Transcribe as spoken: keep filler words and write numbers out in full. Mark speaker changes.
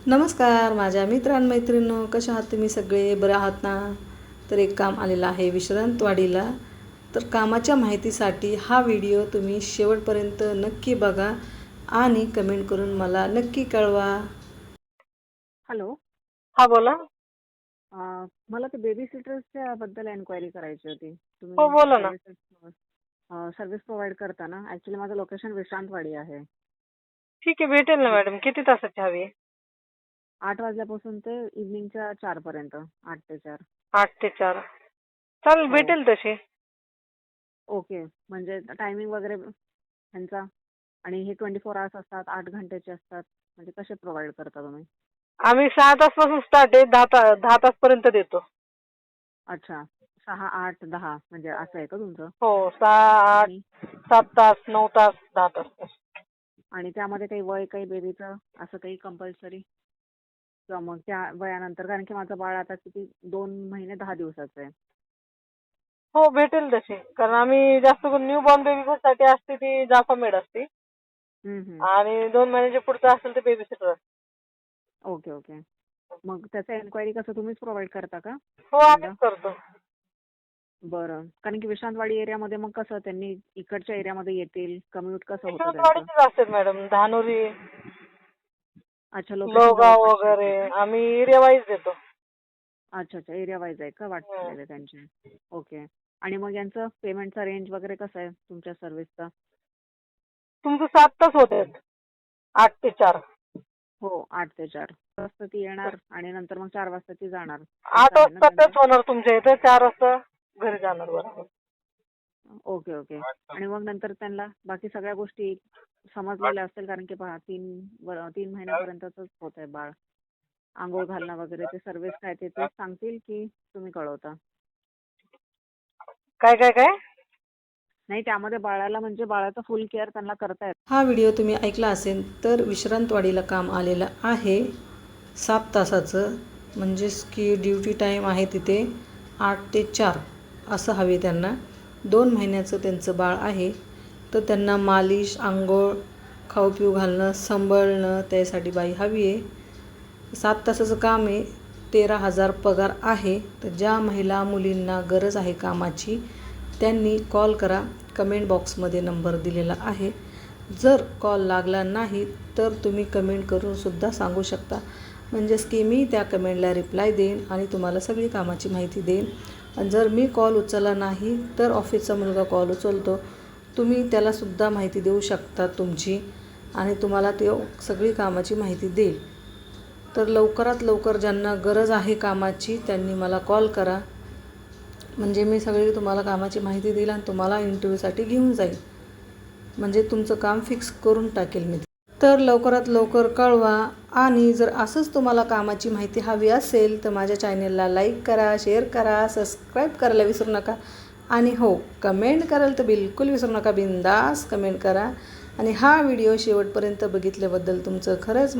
Speaker 1: नमस्कार माझ्या मित्रांमैत्रिणींनो, कशा आहात तुम्ही सगळे? बरं आहात ना? तर एक काम आलेलं आहे विश्रांतवाडीला. तर कामाच्या माहितीसाठी हा व्हिडिओ तुम्ही शेवटपर्यंत नक्की बघा आणि कमेंट करून मला नक्की कळवा.
Speaker 2: हॅलो.
Speaker 3: हा बोला.
Speaker 2: अ, मला ते बेबी सिटर्सच्या बद्दल एन्क्वायरी करायची होती.
Speaker 3: हो
Speaker 2: तुम्ही
Speaker 3: बोला ना.
Speaker 2: सर्व्हिसेस सर्व्हिस प्रोव्हाइड करता ना? ऍक्च्युली माझं लोकेशन विश्रांतवाडी आहे.
Speaker 3: ठीक आहे, भेटेल ना मॅडम. किती तासाची हवी आहे?
Speaker 2: आठ वाजल्यापासून ते इव्हनिंगच्या चार पर्यंत. आठ ते चार.
Speaker 3: आठ ते चार चालेल,
Speaker 2: हो.
Speaker 3: भेटेल तशी.
Speaker 2: ओके. म्हणजे टायमिंग वगैरे ह्यांचा आणि हे ट्वेंटी फोर आवर्स असतात, आठ घंटेचे असतात. म्हणजे कसे प्रोव्हाइड करता तुम्ही?
Speaker 3: आम्ही सहा तासपासून स्टार्ट आहे, दहा ता दहा तासपर्यंत देतो.
Speaker 2: अच्छा. सहा, आठ, दहा म्हणजे असं आहे का तुमचं?
Speaker 3: हो, सहा, आठ,
Speaker 2: आणि
Speaker 3: सात तास, नऊ तास, दहा तास.
Speaker 2: आणि त्यामध्ये काही वय काही बेबीचं असं काही कंपल्सरी? किंवा मग त्या वयानंतर, कारण की माझं बाळ आता किती दोन महिने दहा दिवसाचं आहे.
Speaker 3: हो, भेटेल तशी. कारण आम्ही जास्त करून न्यू बॉर्न बेबीसाठी असते ती जाफा मेड असते
Speaker 2: हम्म, हम्म.
Speaker 3: आणि दोन महिन्याच्या पुढचं असेल ते बेबी सिटर असते.
Speaker 2: Okay okay. मग त्याचं एन्क्वायरी कसं तुम्हीच प्रोव्हाइड करता का?
Speaker 3: हो, आम्हीच करतो.
Speaker 2: बरं. कारण की विश्रांतवाडी एरियामध्ये मग कसं त्यांनी इकडच्या एरियामध्ये येतील, कम्युट कसं होतं त्यांचं?
Speaker 3: विश्रांतवाडीचेच असतात मॅडम. धानोरी,
Speaker 2: अच्छा, लोकेशन
Speaker 3: लोगाव
Speaker 2: जवळपासचे
Speaker 3: वगैरे
Speaker 2: असतात का?
Speaker 3: आम्ही एरिया वाईज देतो.
Speaker 2: अच्छा अच्छा, एरिया वाईज आहे का
Speaker 3: हं.
Speaker 2: वाटलेले त्यांचे? ओके. आणि मग यांचं पेमेंटचा रेंज वगैरे कसं आहे तुमच्या सर्व्हिसचा?
Speaker 3: तुमचं सात तास होत आहेत, आठ ते चार.
Speaker 2: हो, आठ ते चार वाजता ती येणार आणि नंतर मग चार वाजता ती जाणार.
Speaker 3: आठ
Speaker 2: असं आहे ना
Speaker 3: वाजता
Speaker 2: त्यांचं?
Speaker 3: तेच होणार तुमच्या इथे, चार वाजता घरी जाणार. बरोबर.
Speaker 2: Okay okay. आणि मग नंतर त्यांना बाकी सगळ्या गोष्टी समजलेल्या असतील, कारण की पहा तीन व- तीन महिन्यापर्यंतच होत आहे बाळ. आंघोळ घालणं वगैरे ते सर्व्हिस काय ते तेच सांगतील की तुम्ही कळवता?
Speaker 3: काय काय काय
Speaker 2: नाही, त्यामध्ये बाळाला म्हणजे बाळाचं फुल केअर त्यांना करता येतं.
Speaker 1: हा व्हिडिओ तुम्ही ऐकला असेल तर विश्रांतवाडीला काम आलेलं आहे सात तासाचं, म्हणजेच की ड्युटी टाईम आहे तिथे आठ ते चार असं हवे त्यांना. दोन महिन्याचं त्यांचं बाळ आहे, तर त्यांना मालिश, आंघोळ, खाऊ पिऊ घालणं, सांभाळणं त्यासाठी बाई हवी आहे. सात तासाचं काम आहे, तेरा हजार पगार आहे. तर ज्या महिला मुलींना गरज आहे कामाची त्यांनी कॉल करा. कमेंट बॉक्समध्ये नंबर दिलेला आहे. जर कॉल लागला नाही तर तुम्ही कमेंट करूनसुद्धा सांगू शकता, म्हणजेच की मी त्या कमेंटला रिप्लाय देईन आणि तुम्हाला सगळी कामाची माहिती देईन. आणि जर मी कॉल उचलला नाही तर ऑफिसचा मुलगा कॉल उचलतो, तुम्ही त्यालासुद्धा माहिती देऊ शकता तुमची आणि तुम्हाला ते सगळी कामाची माहिती देईल. तर लवकरात लवकर ज्यांना गरज आहे कामाची त्यांनी मला कॉल करा, म्हणजे मी सगळी तुम्हाला कामाची माहिती देईल आणि तुम्हाला इंटरव्ह्यूसाठी घेऊन जाईल, म्हणजे तुमचं काम फिक्स करून टाकेल मी. तर लवकरात लवकर कळवा. आणि जर असंच तुम्हाला कामाची माहिती हवी असेल तर माझ्या चॅनलला लाईक करा, शेअर करा, सबस्क्राईब करायला विसरू नका. आणि हो, कमेंट कराल तर बिलकुल विसरू नका, बिंदास कमेंट करा. आणि हा व्हिडिओ शेवटपर्यंत बघितल्याबद्दल तुमचं खरंच